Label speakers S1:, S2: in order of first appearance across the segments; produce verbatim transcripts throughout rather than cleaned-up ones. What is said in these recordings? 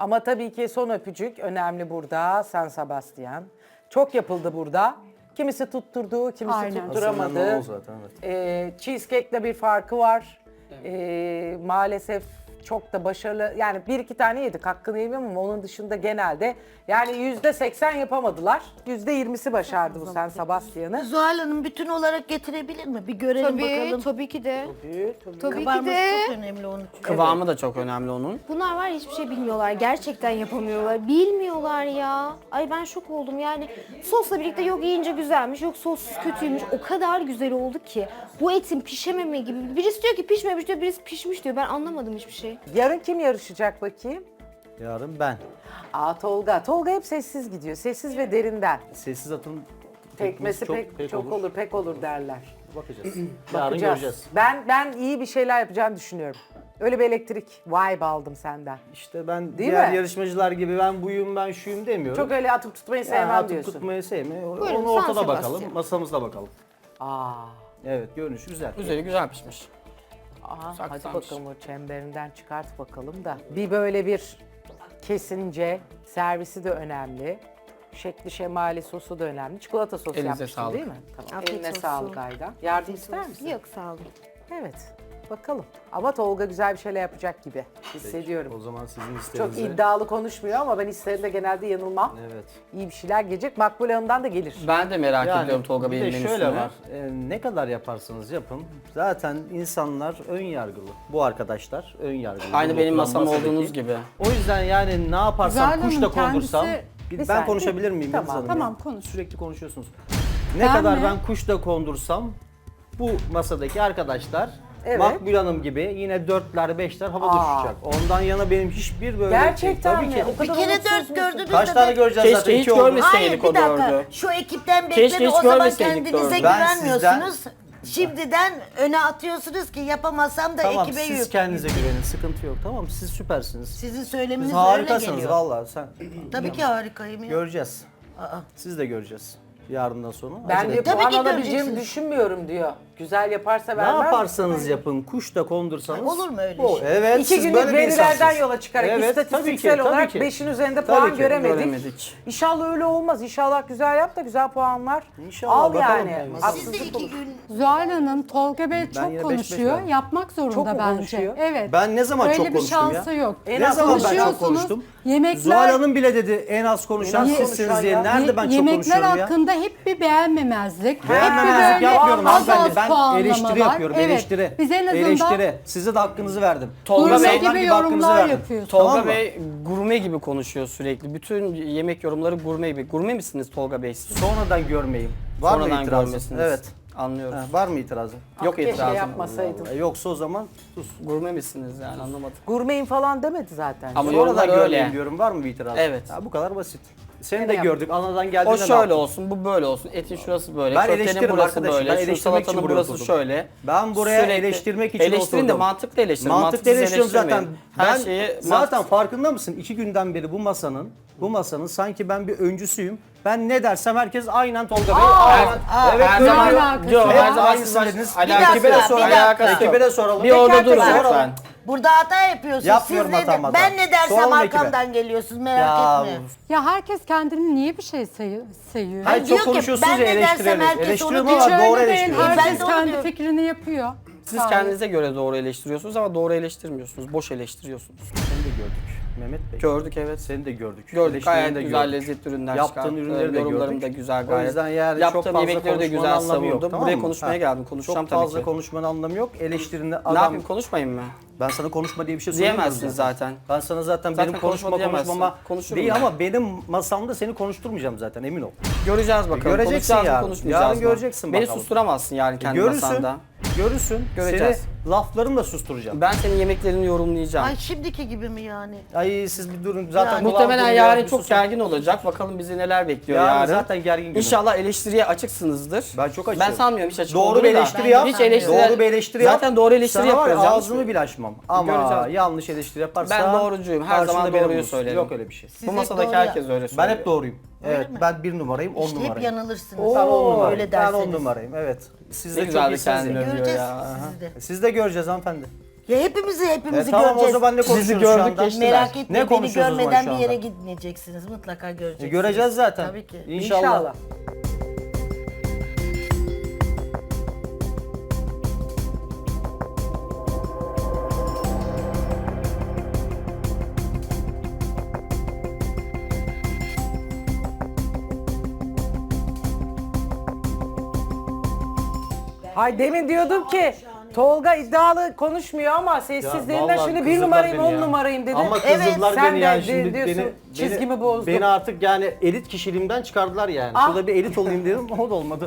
S1: Ama tabii ki son öpücük önemli burada. San Sebastian. Çok yapıldı burada. Kimisi tutturdu, kimisi
S2: Aynen.
S1: tutturamadı.
S3: Aslında o zaten, evet.
S1: Ee, cheesecake'le bir farkı var. Ee, maalesef çok da başarılı. Yani bir iki tane yedik, hakkını yemem ama onun dışında genelde yani yüzde seksen yapamadılar. Yüzde yirmisi başardı bu San Sebastian'ı.
S4: Zuhal Hanım bütün olarak getirebilir mi? Bir görelim
S2: Tabii,
S4: bakalım.
S2: tabii ki de. Tabii ki
S4: Kıvamı
S2: de.
S4: çok önemli onun için.
S5: Kıvamı da çok önemli onun.
S2: Bunlar var ya, hiçbir şey bilmiyorlar. Gerçekten yapamıyorlar. Bilmiyorlar ya. Ay ben şok oldum yani. Sosla birlikte yok yiyince güzelmiş, yok sossuz kötüymüş. O kadar güzel oldu ki. Bu etin pişememe gibi. Birisi diyor ki pişmemiş diyor, birisi pişmiş diyor. Ben anlamadım hiçbir şey.
S1: Yarın kim yarışacak bakayım?
S3: Yarın ben.
S1: Aa Tolga. Tolga hep sessiz gidiyor. Sessiz ve derinden.
S3: Sessiz atın
S1: Tekmesi pek, çok, olur. pek olur derler.
S3: Bakacağız. Yarın
S1: Bakacağız.
S3: göreceğiz.
S1: Ben ben iyi bir şeyler yapacağını düşünüyorum. Öyle bir elektrik vibe aldım senden.
S3: İşte ben
S1: Değil
S3: diğer
S1: mi?
S3: yarışmacılar gibi ben buyum ben şuyum demiyorum.
S1: Çok öyle atıp tutmayı
S3: Yani
S1: sevmem
S3: atıp
S1: diyorsun.
S3: tutmayı sevmiyorum.
S2: Buyurun,
S3: Onu ortada
S2: San
S3: bakalım.
S2: Sebastian.
S3: Masamızda bakalım.
S1: Aa.
S3: Evet görünüş güzel.
S5: Üzeri güzel pişmiş.
S1: Aa, hadi
S5: Saklanmış.
S1: bakalım o çemberinden çıkart bakalım da. Bir böyle bir kesince servisi de önemli. Şekli şemali sosu da önemli. Çikolata sosu
S5: Elinize
S1: yapmıştın
S5: sağlık.
S1: değil mi? Tamam.
S2: Afiyet
S1: Eline
S2: olsun.
S1: sağlık Aydan. Yardım ister misin?
S2: Yok sağ olun.
S1: Evet. Bakalım. Ama Tolga güzel bir şeyler yapacak gibi hissediyorum.
S3: O zaman sizin
S1: Çok
S3: isteğinize.
S1: iddialı konuşmuyor ama ben hislerimde genelde yanılmam.
S3: Evet.
S1: İyi bir şeyler gelecek. Makbule Hanım'dan da gelir.
S5: Ben de merak
S3: Yani
S5: ediyorum Tolga
S3: bir
S5: Bey'in
S3: de
S5: menüsünü.
S3: şöyle var. e, ne kadar yaparsanız yapın. Zaten insanlar ön yargılı. Bu arkadaşlar ön yargılı.
S5: Aynı
S3: Bu
S5: benim
S3: oturan
S5: masam
S3: masadaki.
S5: olduğunuz gibi.
S3: O yüzden yani ne yaparsam
S6: Zuhal
S3: kuş da
S6: Hanım
S3: kondursam.
S6: kendisi-
S3: Bir-
S1: Bir
S3: ben
S1: saniye.
S3: konuşabilir miyim?
S1: Tamam.
S3: Yıldız Hanım?
S6: Tamam,
S3: Ya?
S6: konuş.
S3: Sürekli konuşuyorsunuz. Ne
S6: Ben
S3: kadar
S6: mi?
S3: ben kuş da kondursam bu masadaki arkadaşlar
S1: Evet.
S3: Makbul Hanım gibi yine dörtler beşler havada
S1: Aa.
S3: uçacak. Ondan yana benim hiçbir böyle
S1: Gerçekten
S3: tabii
S1: mi?
S3: ki.
S1: O
S4: Bir
S1: kadar
S4: kere
S1: umutsuz
S4: dört
S1: musun?
S4: gördünüz
S3: Kaç
S4: de
S3: tane
S4: ben-
S3: göreceğiz
S5: Keşke
S3: zaten
S5: hiç
S3: iki oldu.
S5: görmesin.
S4: Hayır
S5: Seydik
S4: bir
S5: o
S4: dakika.
S5: dördü.
S4: Şu ekipten
S5: Keşke
S4: bekleme
S5: hiç
S4: o zaman
S5: görmeseydik
S4: kendinize
S5: dördü.
S3: Ben
S4: güvenmiyorsunuz. Şimdiden öne atıyorsunuz ki yapamasam da
S3: Tamam
S4: ekibe
S3: siz
S4: yük.
S3: kendinize güvenin sıkıntı yok tamam siz süpersiniz.
S4: Sizin
S3: Siz
S4: söyleminiz öyle
S3: harikasınız
S4: geliyor.
S3: vallahi sen.
S4: Tabii ki harikayım ya.
S3: Göreceğiz.
S4: Aa.
S3: Siz de göreceğiz. Yarından sonra.
S1: Ben
S3: Acele
S1: diyor
S3: etmeyin.
S4: Tabii
S1: puan
S4: ki
S1: alabileceğimi
S4: göreceksiniz.
S1: düşünmüyorum diyor. Güzel yaparsa
S3: Ne
S1: vermez.
S3: yaparsanız yapın, kuş da kondursanız.
S4: Olur mu öyle
S3: bu-
S4: şey?
S3: Evet,
S1: İki
S3: siz
S1: günlük
S3: böyle bir
S1: verilerden
S3: insansınız.
S1: yola çıkarak
S3: Evet, tabii ki,
S1: istatistiksel
S3: tabii
S1: olarak
S3: ki.
S1: beşin üzerinde
S3: Tabii
S1: puan
S3: ki,
S1: göremedik.
S5: göremedik.
S1: İnşallah öyle olmaz. İnşallah güzel yap da güzel puanlar
S3: İnşallah,
S1: al
S3: bakalım
S1: yani.
S3: yani.
S4: Siz de
S1: Haksızlık
S4: iki
S1: olur.
S4: gün
S6: Zuhal Hanım, Tolga Bey
S3: yine beş
S6: çok
S3: beş
S6: konuşuyor.
S3: verdim.
S6: Yapmak zorunda
S1: Çok mu
S6: bence.
S1: konuşuyor?
S6: Evet.
S3: Ben ne zaman
S6: Öyle
S3: çok
S6: bir
S3: konuştum ya?
S6: şansı yok.
S1: En
S3: Ne
S1: az
S3: zaman ben çok
S6: konuşuyorsunuz.
S3: konuştum?
S6: Yemekler-
S3: Zuhal Hanım bile dedi en az konuşan
S1: En az
S3: sizsiniz
S1: konuşan
S3: diye.
S1: ya.
S3: Nerede ben çok
S6: Yemekler
S3: konuşuyorum ya?
S6: hakkında hep bir beğenmemezlik.
S3: Beğenmemezlik
S6: hep bir böyle
S3: yapmıyorum
S6: az
S3: hanımefendi.
S6: az
S3: Ben
S6: puanlamalar.
S3: eleştiri yapıyorum,
S6: Evet.
S3: eleştiri.
S6: Biz en azından
S3: Eleştiri. Size de hakkınızı verdim.
S5: Tolga
S6: gurme
S5: Bey-
S6: gibi
S3: hakkınızı
S6: yorumlar
S3: verdim.
S6: yapıyorsunuz.
S5: Tolga
S3: Tamam mı?
S5: Bey gurme gibi konuşuyor sürekli. Bütün yemek yorumları gurme gibi. Gurme misiniz Tolga Bey siz?
S3: Sonradan görmeyeyim. Var mı
S5: Sonradan
S3: itirazın?
S5: görmesiniz.
S3: Evet.
S5: Anlıyoruz.
S3: Ha, var mı itirazın?
S5: Yok
S1: Keşke
S5: itirazım.
S1: yapmasaydın.
S3: E, Yoksa o zaman sus.
S5: Gurme misiniz yani anlamadım.
S1: Gurmeyim falan demedi zaten.
S5: Ama
S3: Sonradan
S5: yorumlar
S3: görmeyeyim
S5: öyle.
S3: diyorum. Var mı bir itirazın?
S5: Evet.
S3: Ha, bu kadar basit. Seni
S1: Öyle
S3: de
S1: yap.
S3: gördük. Anadan geldiğinde
S5: O
S3: ne
S5: şöyle
S3: yaptın?
S5: olsun, bu böyle olsun. Etin şurası böyle,
S3: Ben
S5: köftenin
S3: eleştiririm
S5: burası
S3: arkadaşım,
S5: böyle,
S3: ben
S5: şu
S3: eleştirmek için
S5: salatanın
S3: buraya
S5: burası
S3: oturdum.
S5: şöyle.
S3: Ben buraya
S5: Sürekli-
S3: eleştirmek için
S5: Eleştirin de
S3: oturdum.
S5: mantıklı eleştirin.
S3: Mantıklı
S5: mantıksız
S3: eleştiriyorum zaten.
S5: eleştirmeyin. Her
S3: Ben
S5: şeyi
S3: zaten
S5: mantıksız-
S3: farkında mısın? İki günden beri bu masanın, bu masanın sanki ben bir öncüsüyüm. Ben ne dersem herkes aynen Tolga Bey. aynen. Evet,
S5: her
S3: böyle
S5: zaman
S3: diyor.
S6: alakası
S5: diyor,
S6: var.
S5: her
S3: Hep
S5: zaman
S3: aynı
S5: siz
S3: söylediniz.
S5: alakası
S3: Ekibe de
S5: yok.
S3: soralım.
S5: Alakası yok.
S3: Ekibe de soralım.
S5: Bir orada
S3: Teker
S5: durun
S3: teker
S5: lütfen.
S3: soralım.
S4: Burada hata yapıyorsunuz.
S3: Yapmıyorum
S4: Siz ne
S3: hata,
S4: de-
S3: hata.
S4: Ben ne dersem
S3: Soralım ekibe.
S4: arkamdan geliyorsunuz merak
S3: Ya,
S4: etme.
S6: Ya herkes kendini niye bir şey sayı- sayıyor?
S3: Hayır,
S4: diyor
S3: çok
S4: ki,
S3: konuşuyorsunuz
S4: ben
S3: ya
S4: ne dersem
S3: eleştiriyoruz.
S4: herkes
S3: Eleştiriyorum
S4: onu
S3: ama
S4: diyor.
S3: doğru
S6: Öyle değil.
S3: eleştiriyorum.
S4: Ben
S6: Herkes
S4: de onu
S6: kendi
S4: diyorum.
S6: fikrini yapıyor.
S5: Siz
S6: Gayet.
S5: kendinize göre doğru eleştiriyorsunuz ama doğru eleştirmiyorsunuz. Boş eleştiriyorsunuz.
S3: Seni de gördük Mehmet Bey.
S5: Gördük evet.
S3: Seni de gördük.
S5: Gördük
S3: Eleştirini
S5: gayet
S3: de
S5: güzel
S3: gördük.
S5: lezzetli ürünler
S3: Yaptığın
S5: çıkarttı.
S3: ürünleri de
S5: Yorumlarım
S3: gördük.
S5: da güzel
S3: O
S5: gayet.
S3: yüzden yani
S5: Yaptığım
S3: çok fazla
S5: yemekleri de
S3: konuşmanın
S5: güzel
S3: anlamı yok,
S5: savundum.
S3: tamam
S5: Buraya
S3: mı?
S5: konuşmaya
S3: Ha.
S5: geldim. Konuşacağım
S3: Çok
S5: tabii
S3: fazla
S5: ki.
S3: konuşmanın anlamı yok. Eleştirini adam...
S5: Ne yapayım konuşmayayım mı?
S3: Ben sana konuşma diye bir şey söylemiyorum
S5: Diyemezsiniz zaten.
S3: Ben sana zaten,
S5: Zaten
S3: benim
S5: konuşma
S3: konuşma
S5: diyemezsin.
S3: konuşmama
S5: Konuşurum
S3: değil
S5: ben.
S3: ama benim masamda seni konuşturmayacağım zaten emin ol.
S5: Göreceğiz bakalım.
S3: Göreceksin
S5: Konuşacağız mı,
S3: yarın.
S5: konuşmayacağız
S3: Yarın
S5: mı?
S3: göreceksin
S5: Beni
S3: bakalım.
S5: susturamazsın yani kendi
S3: Görürsün.
S5: masanda.
S3: Görürsün.
S5: Göreceğiz.
S3: Seni laflarımla susturacağım.
S5: Ben senin yemeklerini yorumlayacağım.
S4: Ay şimdiki gibi mi yani?
S3: Ay siz bir durun zaten
S4: Yani-
S3: kulağım
S5: Muhtemelen
S3: duyuyor,
S5: yarın
S3: bir
S5: çok
S3: susun.
S5: gergin olacak. Bakalım bizi neler bekliyor
S3: Yarın
S5: yarın.
S3: zaten gergin günüm.
S5: İnşallah eleştiriye açıksınızdır.
S3: Ben çok açığım.
S5: Ben sanmıyorum hiç açık
S3: Doğru
S5: olduğunu
S3: bir
S5: da.
S3: eleştiri yap.
S5: Hiç eleştiri.
S3: Doğru bir eleştiri yap.
S5: Zaten doğru eleştiri
S3: Sana var ya,
S5: yapıyoruz. yanlış
S3: ağzımı
S5: mı?
S3: bile açmam. Ama
S5: Göreceğiz.
S3: yanlış eleştiri yaparsan...
S5: Ben doğrucuyum. Her
S3: karşında
S5: zaman
S3: benim
S5: doğruyu
S3: olursun.
S5: söylerim.
S3: Yok öyle bir şey.
S5: Bu
S4: hep
S5: masadaki
S4: doğru
S5: herkes
S4: ya-
S5: öyle
S3: Ben
S5: söylüyor.
S3: hep doğruyum. Evet
S4: mi?
S3: ben bir numarayım, on
S4: İşte hep
S3: numarayım.
S4: yanılırsınız.
S3: Ben on numarayım.
S4: Öyle
S3: Ben on
S4: derseniz.
S3: numarayım evet. Siz
S5: Ne
S3: de
S5: güzel
S3: çok
S5: de
S3: iyisiniz.
S5: kendini övüyor
S4: Göreceğiz
S5: ya.
S4: sizi de.
S3: Siz de göreceğiz hanımefendi.
S4: Ya hepimizi hepimizi
S3: E, tamam o
S4: göreceğiz.
S3: zaman ne konuşuyoruz
S5: Sizi
S3: şu
S5: gördük,
S3: anda?
S5: geçti.
S4: Merak
S5: Ne
S4: etme, beni
S3: konuşuyoruz o zaman
S4: görmeden
S3: şu
S4: bir
S3: anda?
S4: yere gitmeyeceksiniz. Mutlaka göreceksiniz.
S3: E, göreceğiz zaten.
S4: Tabii ki.
S3: İnşallah.
S1: İnşallah. Hay demin diyordum ki Tolga iddialı konuşmuyor ama sessizliğinden
S3: vallahi
S1: şimdi bir
S3: kızdırdılar
S1: numarayım
S3: beni
S1: on
S3: ya.
S1: numarayım dedi.
S3: Ama
S4: Evet,
S3: kızdırdılar
S1: sen
S3: beni
S1: de
S3: yani
S1: di-
S3: şimdi
S1: diyorsun,
S3: beni,
S1: çizgimi
S3: beni,
S1: bozdum.
S3: Beni artık yani elit kişiliğimden çıkardılar yani.
S1: Ah.
S3: Şurada bir elit olayım dedim o da olmadı.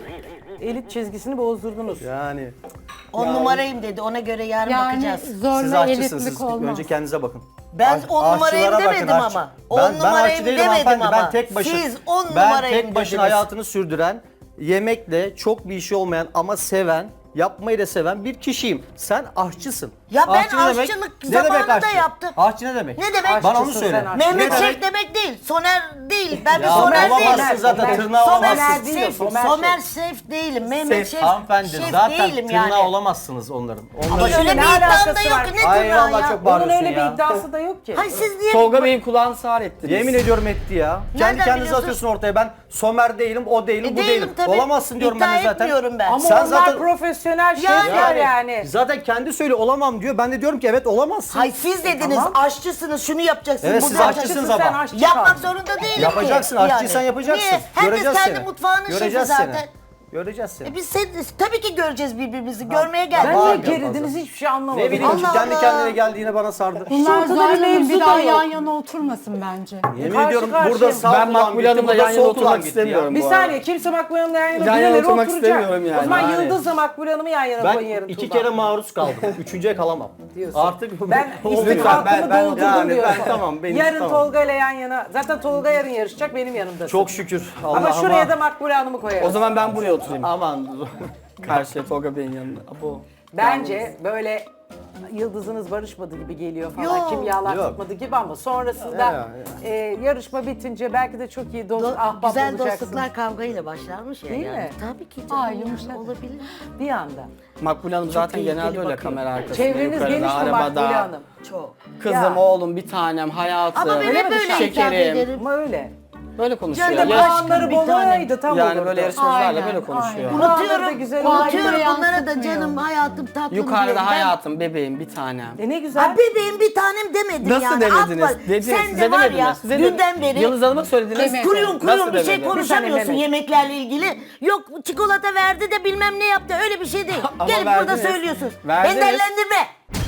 S1: Elit çizgisini bozdurdunuz.
S3: Yani
S4: On numarayım dedi. Ona göre yarın
S6: Yani
S4: bakacağız.
S3: siz
S6: zorla
S3: aşçısınız
S6: elitlik
S3: siz
S6: olmaz.
S3: önce kendinize bakın.
S4: Ben
S3: Aş-
S4: on numarayım
S3: aşçılara
S4: demedim
S3: bakın, aşçı-
S4: ama.
S3: Ben,
S4: On
S3: ben aşçı
S4: numarayım
S3: değilim
S4: demedim
S3: hanımefendi.
S4: ama.
S3: Ben tek başına,
S4: Siz on
S3: ben
S4: numarayım
S3: tek başına
S4: dediniz.
S3: hayatını sürdüren, yemekle çok bir işi olmayan ama seven, yapmayı da seven bir kişiyim. Sen aşçısın.
S4: Ya ben
S3: Aşçı ne demek?
S4: aşçılık
S3: Ne demek
S4: zamanında
S3: aşçı?
S4: yaptım.
S3: Aşçı ne demek?
S4: Ne demek?
S3: Bana onu
S1: Aşçısın
S3: söyle.
S1: sen, aşçı.
S4: Mehmet
S3: Ne
S4: Şef
S3: demek?
S4: demek değil. Soner değil. Ben bir
S3: Ya
S4: Soner
S3: olamazsın
S4: değilim.
S3: zaten,
S1: Somer-
S3: tırnağı
S1: Somer
S3: olamazsın.
S1: değil,
S4: Şef,
S1: Somer
S4: Somer,
S1: Şef.
S4: Şef değilim. Mehmet Şef,
S3: Hanımefendi
S4: Şef
S3: zaten
S4: değilim
S3: tırnağı
S4: yani.
S3: olamazsınız onların.
S4: Ama
S3: Onların...
S4: öyle
S1: Ne
S4: bir iddiam da
S1: alakası
S4: yok.
S1: var?
S4: Ne
S3: Ay
S4: tırnağı
S3: vallahi
S4: ya?
S3: çok
S1: Onun
S3: bağırıyorsun
S1: öyle
S3: ya.
S1: bir iddiası da yok ki.
S4: Hay siz niye?
S5: Tolga Bey'in kulağını sağır ettiniz.
S3: Yemin ediyorum etti ya. Kendi
S4: Nereden
S3: kendinize
S4: biliyorsun?
S3: atıyorsun ortaya. Ben Somer değilim, o değilim,
S4: E,
S3: bu
S4: değilim
S3: değilim.
S4: tabii.
S3: Olamazsın diyorum
S4: İddia
S3: ben de zaten.
S4: etmiyorum ben.
S1: Ama
S3: Sen
S1: onlar
S3: zaten-
S1: profesyonel şefler yani.
S3: Zaten kendi söyle olamam diyor. Ben de diyorum ki evet olamazsın.
S4: Hay siz dediniz
S1: Tamam.
S4: aşçısınız, şunu yapacaksınız,
S3: Evet,
S4: bunu
S3: siz
S4: yapacaksınız.
S3: aşçısınız
S1: Sen
S3: ama.
S1: aşçı
S4: Yapmak
S1: kaldın.
S4: zorunda değilim
S3: Yapacaksın,
S4: ki.
S3: aşçıysan yapacaksın.
S4: Niye? Herkes
S3: Göreceğiz
S4: kendi
S3: seni.
S4: mutfağının
S3: Göreceğiz
S4: şefi
S3: seni.
S4: zaten.
S3: Göreceğiz seni.
S4: E biz sen, tabii ki göreceğiz birbirimizi. Görmeye geldik.
S1: Ben
S3: Var
S1: niye
S3: ya
S1: gerildiniz
S3: fazla.
S1: hiçbir şey anlamadım.
S3: Ne bileyim ki
S4: Allah
S3: kendi
S4: Allah.
S3: kendine geldiğine bana sardı.
S6: Bunlar
S1: ortada
S6: Zuhal
S1: bir
S6: Hanım
S1: mevzu
S6: bir
S1: da
S6: daha
S1: yok.
S6: yan yana oturmasın bence.
S3: Yemin
S1: Karşı
S3: ediyorum
S1: karşıya.
S3: burada sağ
S5: Ben
S3: kulağım
S5: Makbule
S3: gitti,
S5: Hanım'la
S3: burada
S5: yan yana
S3: sol
S5: oturmak
S3: kulağım gitti ya.
S5: istemiyorum.
S1: Bir
S5: bu
S1: saniye
S5: arada.
S1: kimse Makbule Hanım'la yan yana
S5: Yan yana
S1: birileri
S5: oturmak
S1: oturacak.
S5: istemiyorum yani.
S1: O zaman
S3: Yani.
S1: Yıldız'la Makbule Hanım'ı yan yana koyun
S3: Ben
S1: yarın
S3: iki
S1: Tuğba.
S3: kere maruz kaldım. Üçüncüye kalamam.
S1: Diyorsun.
S3: Artık
S1: Ben
S3: olmuyor.
S1: istifakımı
S3: Ben- ben-
S1: doldurdum
S3: yani
S1: diyorsun.
S3: Ben tamam benim
S1: Yarın
S3: tamam.
S1: Tolga ile yan yana. Zaten Tolga yarın yarışacak benim yanımda.
S3: Çok şükür. Allah
S1: Ama şuraya da Makbule Hanım'ı koyarız.
S5: O zaman ben buraya oturayım.
S3: Aman.
S5: Karşıya Tolga Bey'in yanında. Abo.
S1: Bence böyle yıldızınız barışmadı gibi geliyor falan.
S4: Yok.
S1: Kimyalar
S3: Yok.
S1: tutmadı gibi ama sonrasında
S3: Ya, ya.
S1: e, yarışma bitince belki de çok iyi dost,
S4: Do-
S1: ahbap
S4: güzel
S1: olacaksınız.
S4: dostluklar kavgayla başlarmış ya.
S1: Değil
S4: yani.
S1: mi?
S4: Tabii ki canım.
S6: Aa,
S4: yani
S6: yumuşak.
S4: olabilir.
S1: Bir anda.
S5: Makbule Hanım zaten
S4: tehlikeli
S5: genelde öyle
S4: bakıyor.
S5: kamera arkasında.
S1: Çevreniz
S5: yukarıda,
S1: geniş mi
S5: arabada.
S1: Makbule Hanım?
S4: Çok.
S5: Kızım,
S1: Ya.
S5: oğlum, bir tanem, hayatım.
S4: Ama ben hep böyle hitap
S5: şekerim.
S4: ederim.
S1: Ama öyle.
S5: Böyle konuşuyor.
S1: Bir de
S4: Canım,
S5: Ya-
S1: puanları
S4: bir
S1: bol
S4: tanem.
S1: olaydı tam
S5: yani
S1: olurdu.
S5: böyle yarışmacılarla
S6: Aynen,
S5: böyle konuşuyor.
S6: aynen.
S1: Puanları da
S4: Unutuyorum,
S1: güzel
S4: unutuyorum
S6: oldu.
S4: bunlara da
S6: Yansıtmıyor.
S4: canım, hayatım, tatlım
S5: Yukarıda
S4: diyorum. Ben-
S5: hayatım, bebeğim, bir tanem.
S1: E ne güzel.
S4: Ha, bebeğim bir tanem demedim
S5: Nasıl
S4: yani.
S5: demediniz?
S4: Atma.
S5: Dediniz,
S4: Sen
S5: size
S4: de var
S5: demediniz.
S4: ya
S5: Size
S4: dünden
S5: de-
S4: beri
S5: Yıldız Hanım'a söylediniz.
S6: Demedim.
S4: kuruyorsun
S5: Nasıl
S4: kuruyorsun bir şey
S5: demedi?
S4: konuşamıyorsun
S1: Mehmet.
S4: yemeklerle ilgili. Yok çikolata verdi de bilmem ne yaptı, öyle bir şey değil.
S5: Ama
S4: Gelip burada
S5: verdiniz.
S4: söylüyorsun.
S5: Verdiniz.
S4: Beni dellendirme.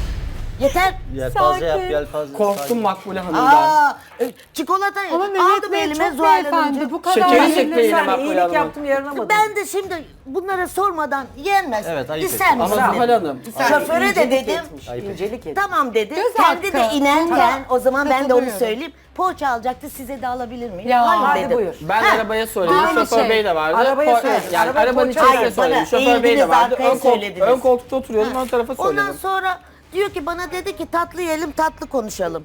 S4: Yeter.
S3: Yelpaze yap
S6: Sakin.
S3: yelpaze.
S5: Korktum Makbule Hanım'dan.
S4: Aa, e, çikolata
S6: Ama
S4: aldım
S6: Mehmet Bey
S4: elime
S6: çok
S4: Zuhal
S6: beyefendi.
S4: Hanımcığım.
S6: Bu kadar
S5: Şekeri
S6: bilinir.
S5: çekmeyin
S1: Bir
S5: ama
S1: saniye,
S5: Makbule
S1: iyilik
S5: Hanım.
S1: yaptım yarınamadım.
S4: Ben de şimdi bunlara sormadan yenmez.
S3: Evet, ayıp
S4: İster
S3: ettin.
S5: Ama
S4: misin?
S5: Zuhal Hanım.
S4: Şoföre de
S1: İncelik
S4: dedim.
S1: etmiş, İncelik etmiş.
S4: Tamam dedi.
S6: Göz
S4: Kendi de
S6: hakkı.
S4: inerken
S6: Tamam.
S4: o zaman ben de onu
S6: Katılıyorum.
S4: söyleyeyim. Poğaça alacaktı, size de alabilir miyim?
S6: Ya,
S4: Hayır
S1: hadi
S4: dedim.
S1: buyur.
S5: Ben
S4: Ha,
S5: arabaya söyledim.
S6: aynı
S5: Şoför
S6: şey.
S5: Bey de vardı.
S1: Arabaya
S5: Po-
S1: söyledin.
S5: Yani
S1: Arabaya
S5: arabanın
S1: poğaça-
S5: içerisinde
S4: Hayır, bana
S5: söyledim. Şoför Bey de
S4: eğildiniz,
S5: vardı.
S4: arkaya
S5: Ön, koltuk,
S4: söylediniz.
S5: ön koltukta oturuyordum. Ön tarafa söyledim.
S4: Ondan sonra diyor ki bana dedi ki tatlı yiyelim, tatlı konuşalım.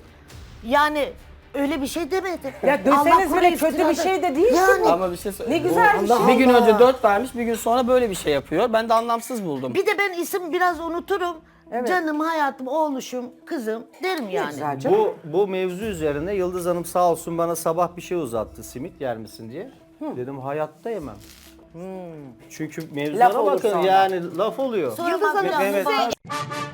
S4: Yani öyle bir şey demedi.
S1: Ya
S4: Allah
S1: deseniz
S4: korusun,
S1: bile kötü bir
S4: iftirada.
S1: şey de değil
S4: Yani
S1: ki.
S5: Ama bir şey söyleyeyim.
S1: Ne güzel bir şey.
S5: Bir gün
S4: Allah.
S5: önce dört vermiş, bir gün sonra böyle bir şey yapıyor. Ben de anlamsız buldum.
S4: bir de ben isim biraz unuturum.
S1: Evet.
S4: Canım, hayatım, oğluşum, kızım derim yani.
S1: Güzel canım.
S3: Bu bu mevzu üzerine Yıldız Hanım sağ olsun bana sabah bir şey uzattı simit yer misin diye. Dedim hayatta yemem. Çünkü
S1: Laf
S3: mevzulara
S1: olur
S3: bakın
S1: sonra.
S3: yani laf oluyor.
S4: Sonra
S3: Me-
S4: bak-
S3: Mehmet